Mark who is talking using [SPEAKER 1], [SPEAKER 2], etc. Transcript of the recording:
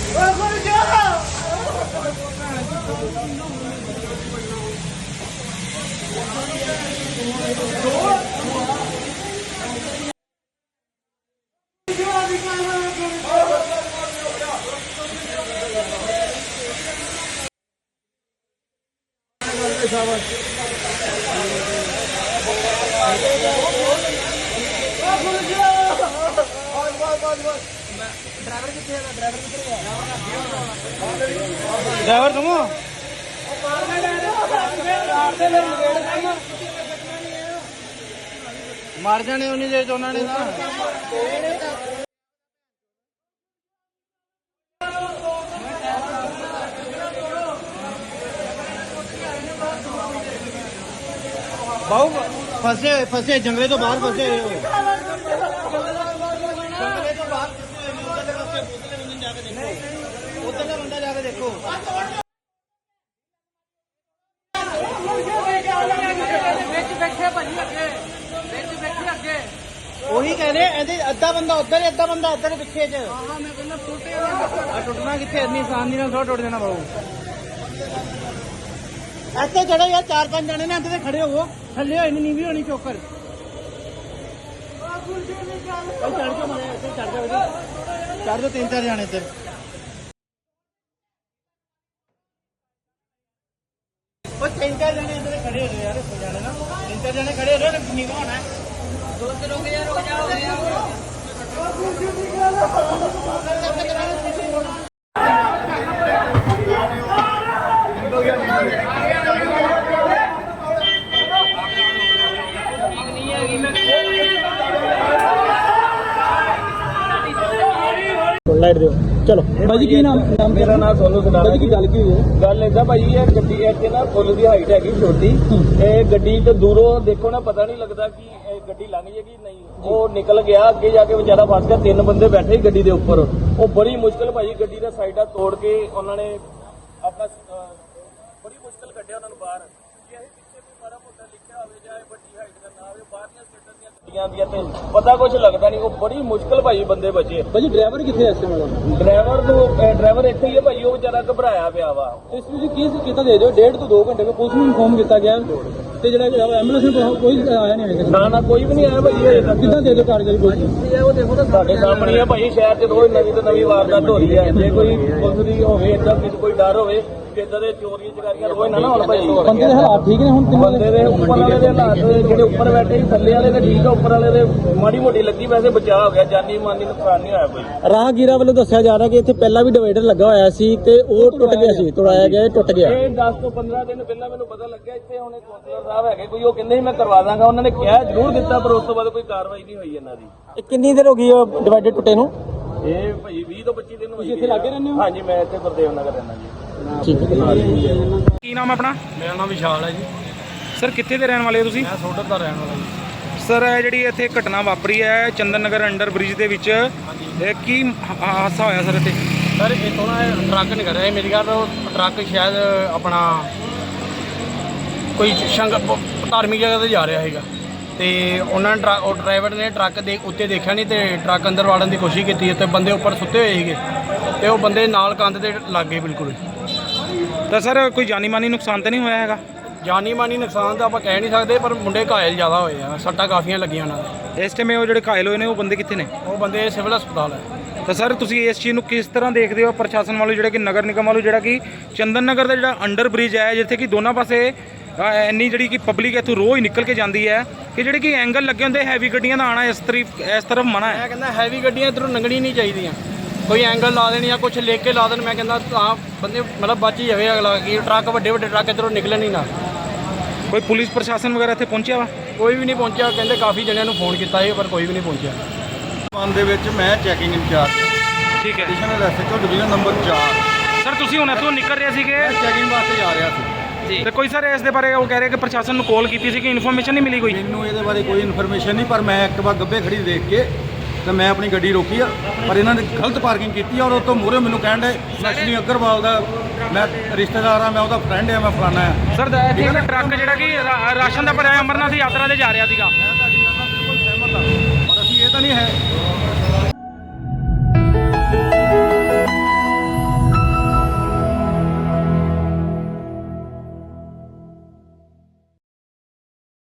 [SPEAKER 1] driver तुम मार जाने उन्नी देर तो उन्होंने ना बहु फसे फसे जंगले तो बाहर फसे उधर का बंदा जाके देखो ਉਹੀ ਕਹਿ ਰਹੇ ਇਹਦੇ ਅੱਧਾ ਬੰਦਾ ਉੱਧਰ ਅੱਧਾ ਬੰਦਾ ਇੱਧਰ ਪਿੱਛੇ ਚ ਟੁੱਟਣਾ ਕਿੱਥੇ ਇੰਨੀ ਆਸਾਨ ਨਹੀਂ ਨਾਲ ਟੁੱਟ ਜਾਣਾ ਬਾਬੂ ਇੱਥੇ ਚੜੋ ਯਾਰ 4-5 ਜਣੇ ਨੇ ਇੱਥੇ ਖੜੇ ਹੋਵੋ ਥੱਲੇ ਹੋਈ ਨਹੀਂ ਵੀ ਹੋਣੀ ਚੋਕਰ ਚੜ ਕੇ ਮਾਰੇ ਇੱਥੇ ਚੜ ਜਾ ਚੜ ਜਾ 3-4 ਜਣੇ ਇੱਧਰ ਉਹ 3-4 ਜਣੇ ਇੱਧਰ ਖੜੇ ਹੋ ਜਾਓ ਯਾਰ ਜਾਣੇ ਨਾ 3-4 ਜਣੇ ਖੜੇ ਹੋ ਜਾਓ ਨੀਵਾ ਹੋਣਾ दोस्त रुक जाओ लाइट दो चलो भाजी की नाम मेरा नाम सोनू सदारा की गल की गल इदा भाई ये गड्डी इतने ना फुल की हाइट हैगी छोटी गड्डी तो दूरों देखो ना पता नहीं लगता कि गड्डी लंघ जाएगी नहीं वो निकल गया अगे जाके बेचारा फस गया 3 बंदे बैठे गड्डी के उपर वो बड़ी मुश्किल भाई गड्डी का साइडा तोड़ के उन्होंने अपना बड़ी मुश्किल कढ़िया उन्होंने बाहर पता कुछ लगता नहीं वो बड़ी मुश्किल भाई बंदे बचे भाजी ड्राइवर कितने ऐसे ड्राइवर इतने ही है भाई वो बेचारा घबराया पिया वा इस केस कितना दे दो 1.5 to 2 घंटे में पुलिस में इन्फॉर्म किया गया एंबुलेंस में कोई आया नहीं ना कोई भी नहीं आया भाई कितना दे दो कारगरी पुलिस वो देखो ना साढ़े सामने है भाई शहर च रोज नवी तो नवी वारदात हो रही है जे कोई पुलिस की होवे इतना कोई डर होवे इधर चोरी चकारियां रोज ना होण भाई बंदे दे हालात ठीक ने हुण बंदे दे ऊपर वाले दे हालात जेडे ऊपर बैठे थल्ले वाले ते ठीक है ऊपर वाले दे माड़ी मोटी लगी वैसे बचाव हो गया जानी मानी नुकसान नहीं होया कोई राहगीरा ਵੱਲੋਂ ਦੱਸਿਆ ਜਾ ਰਿਹਾ ਕਿ ਇੱਥੇ ਪਹਿਲਾਂ ਵੀ ਡਿਵਾਈਡਰ ਲੱਗਾ ਹੋਇਆ ਸੀ ਤੇ ਉਹ ਟੁੱਟ ਗਿਆ ਸੀ ਤੋੜਾਇਆ ਗਿਆ ਟੁੱਟ ਗਿਆ ਇਹ 10 ਤੋਂ 15 ਦਿਨ ਪਹਿਲਾਂ ਮੈਨੂੰ ਪਤਾ ਲੱਗਿਆ ਇੱਥੇ ਹੁਣ ਕੌਂਸਲਰ ਸਾਹਿਬ ਹੈਗੇ ਕੋਈ ਉਹ ਕਹਿੰਦੇ ਸੀ ਮੈਂ ਕਰਵਾ ਦਾਂਗਾ ਉਹਨਾਂ ਨੇ ਕਿਹਾ ਜ਼ਰੂਰ ਦਿੱਤਾ ਪਰ ਉਸ ਤੋਂ ਬਾਅਦ ਕੋਈ ਕਾਰਵਾਈ ਨਹੀਂ ਹੋਈ ਇਹਨਾਂ ਦੀ ਇਹ ਕਿੰਨੀ ਦੇਰ ਹੋ ਗਈ ਉਹ ਡਿਵਾਈਡਰ ਟੁੱਟੇ ਨੂੰ ਇਹ ਭਾਈ 20 ਤੋਂ 25 ਦਿਨ ਹੋ ਗਏ ਤੁਸੀਂ ਇੱਥੇ ਲੱਗੇ ਰਹਿੰਦੇ ਹੋ ਹਾਂਜੀ ਮੈਂ ਇੱਥੇ ਗੁਰਦੇਵ ਨਗਰ ਰਹਿੰਦਾ ਜੀ ਠੀਕ ਹੈ ਕੀ ਨਾਮ ਆਪਣਾ ਮੇਰਾ ਨਾਮ ਵਿਸ਼ਾਲ ਹੈ ਜੀ ਸਰ ਕਿੱਥੇ ਦੇ ਰਹਿਣ ਵਾਲੇ ਹੋ ਤੁਸੀਂ ਮੈਂ ਸੋਡਰ ਦਾ ਰਹਿਣ ਵਾਲਾ ਜੀ ਸਰ ਇਹ ਜਿਹੜੀ ਇੱਥੇ ਘਟਨਾ ਵਾਪਰੀ ਹੈ ਚੰਦਨ ਨਗਰ ਅੰਡਰ ਬ੍ਰਿਜ ਦੇ ਵਿੱਚ ਇਹ ਕੀ ਹਾਦਸਾ ਹੋਇਆ ਸਰ ਇੱਥੇ ਸਰ ਇੱਥੋਂ ਨਾ ਟਰੱਕ ਨਿਕਲ ਰਿਹਾ ਮੇਰੀ ਗੱਲ ਟਰੱਕ ਸ਼ਾਇਦ ਆਪਣਾ ਕੋਈ ਧਾਰਮਿਕ ਜਗ੍ਹਾ ਤੇ ਜਾ ਰਿਹਾ ਹੈਗਾ ਤੇ ਉਹਨਾਂ ਨੇ ਉਹ ਡਰਾਈਵਰ ਨੇ ਟਰੱਕ ਦੇ ਉੱਤੇ ਦੇਖਿਆ ਨਹੀਂ ਤੇ ਟਰੱਕ ਅੰਦਰ ਵਾੜਨ ਦੀ ਕੋਸ਼ਿਸ਼ ਕੀਤੀ ਤੇ ਬੰਦੇ ਉੱਪਰ ਸੁੱਤੇ ਹੋਏ ਸੀਗੇ ਤੇ ਉਹ ਬੰਦੇ ਨਾਲ ਕੰਧ ਦੇ ਲੱਗ ਗਏ ਬਿਲਕੁਲ ਤਾਂ ਸਰ ਕੋਈ ਜਾਨੀ ਮਾਨੀ ਨੁਕਸਾਨ ਤਾਂ ਨਹੀਂ ਹੋਇਆ ਹੈਗਾ ਜਾਨੀ ਮਾਨੀ ਨੁਕਸਾਨ ਤਾਂ ਆਪਾਂ ਕਹਿ ਨਹੀਂ ਸਕਦੇ ਪਰ ਮੁੰਡੇ ਘਾਇਲ ਜ਼ਿਆਦਾ ਹੋਏ ਆ ਸੱਟਾਂ ਕਾਫੀਆਂ ਲੱਗੀਆਂ ਉਹਨਾਂ ਦੇ ਇਸ ਟਾਈਮ ਉਹ ਜਿਹੜੇ ਘਾਇਲ ਹੋਏ ਨੇ ਉਹ ਬੰਦੇ ਕਿੱਥੇ ਨੇ ਉਹ ਬੰਦੇ ਸਿਵਲ ਹਸਪਤਾਲ ਹੈ ਤਾਂ ਸਰ ਤੁਸੀਂ ਇਸ ਚੀਜ਼ ਨੂੰ ਕਿਸ ਤਰ੍ਹਾਂ ਦੇਖਦੇ ਹੋ ਪ੍ਰਸ਼ਾਸਨ ਵੱਲੋਂ ਜਿਹੜਾ ਕਿ ਨਗਰ ਨਿਗਮ ਵੱਲੋਂ ਜਿਹੜਾ ਕਿ ਚੰਦਨ ਨਗਰ ਦਾ ਜਿਹੜਾ ਅੰਡਰ ਬ੍ਰਿਜ ਹੈ ਜਿੱਥੇ ਕਿ ਦੋਨਾਂ ਪਾਸੇ ਇੰਨੀ ਜਿਹੜੀ ਕਿ ਪਬਲਿਕ ਇੱਥੋਂ ਰੋਜ਼ ਨਿਕਲ ਕੇ ਜਾਂਦੀ ਹੈ ਕਿ ਜਿਹੜੇ ਕਿ ਐਂਗਲ ਲੱਗੇ ਹੁੰਦੇ ਹੈਵੀ ਗੱਡੀਆਂ ਦਾ ਆਉਣਾ ਇਸ ਤਰਫ ਮਨਾ ਹੈ ਮੈਂ ਕਹਿੰਦਾ ਹੈਵੀ ਗੱਡੀਆਂ ਇੱਧਰੋਂ ਲੰਘਣੀ ਨਹੀਂ ਚਾਹੀਦੀਆਂ ਕੋਈ ਐਂਗਲ ਲਾ ਦੇਣ ਜਾਂ ਕੁਛ ਲੈ ਕੇ ਲਾ ਦੇਣ ਮੈਂ ਕਹਿੰਦਾ ਤਾਂ ਬੰਦੇ ਮਤਲਬ ਬਚ ਹੀ ਜਾਵੇ ਅਗਲਾ ਕਿ ਟਰੱਕ ਵੱਡੇ ਟਰੱਕ ਇੱਧਰੋਂ ਨਿਕਲਣ ਹੀ ਨਾ ਕੋਈ ਪੁਲਿਸ ਪ੍ਰਸ਼ਾਸਨ ਵਗੈਰਾ ਇੱਥੇ ਪਹੁੰਚਿਆ ਵਾ ਕੋਈ ਵੀ ਨਹੀਂ ਪਹੁੰਚਿਆ ਕਹਿੰਦੇ ਕਾਫੀ ਜਣਿਆਂ ਨੂੰ ਫੋਨ ਕੀਤਾ ਸੀ ਪਰ ਕੋਈ ਵੀ ਨਹੀਂ ਪਹੁੰਚਿਆ
[SPEAKER 2] ਮਨ ਦੇ ਵਿੱਚ ਮੈਂ ਚੈਕਿੰਗ ਇੰਚਾਰਜ
[SPEAKER 1] ਠੀਕ ਹੈ
[SPEAKER 2] additional SHO division number 4
[SPEAKER 1] sir ਤੁਸੀਂ ਹੁਣ ਇੱਥੋਂ ਨਿਕਲ ਰਹੇ ਸੀਗੇ
[SPEAKER 2] ਮੈਂ ਚੈਕਿੰਗ ਵਾਸਤੇ ਜਾ ਰਿਹਾ ਸੀ
[SPEAKER 1] ਜੀ ਤੇ ਕੋਈ ਸਰ ਇਸ ਦੇ ਬਾਰੇ ਉਹ ਕਹਿ ਰਹੇ ਕਿ ਪ੍ਰਸ਼ਾਸਨ ਨੂੰ ਕਾਲ ਕੀਤੀ ਸੀ ਕਿ ਇਨਫੋਰਮੇਸ਼ਨ ਨਹੀਂ ਮਿਲੀ ਕੋਈ
[SPEAKER 2] ਮੈਨੂੰ ਇਹਦੇ ਬਾਰੇ ਕੋਈ ਇਨਫੋਰਮੇਸ਼ਨ ਨਹੀਂ ਪਰ ਮੈਂ ਇੱਕ ਵਾਰ ਗੱਬੇ ਖੜੀ ਦੇਖ ਕੇ ਤੇ ਮੈਂ ਆਪਣੀ ਗੱਡੀ ਰੋਕੀ ਆ ਪਰ ਇਹਨਾਂ ਨੇ ਗਲਤ ਪਾਰਕਿੰਗ ਕੀਤੀ ਔਰ ਉਹ ਤੋਂ ਮੂਹਰੇ ਮੈਨੂੰ ਕਹਿਣ ਦੇ ਲక్ష్ਮੀ ਅਗਰਵਾਲ ਦਾ ਮੈਂ ਰਿਸ਼ਤੇਦਾਰ ਆ ਮੈਂ ਉਹਦਾ ਫਰੈਂਡ ਆ ਮੈਂ ਫਲਾਣਾ ਆ
[SPEAKER 1] ਸਰ ਇੱਥੇ ਟਰੱਕ ਜਿਹੜਾ ਕਿ ਰਾਸ਼ਨ ਦਾ ਭਰਿਆ ਅਮਰਨਾਥ ਯਾਤਰਾ ਤੇ ਜਾ ਰਿਹਾ ਸੀਗਾ
[SPEAKER 2] ਮੈਂ ਤੁਹਾਡੀ ਗੱਲ ਨਾਲ ਬਿਲਕੁਲ ਸਹਿਮਤ ਆ ਪਰ ਅਸੀਂ ਇਹ ਤਾਂ ਨਹੀਂ ਹੈ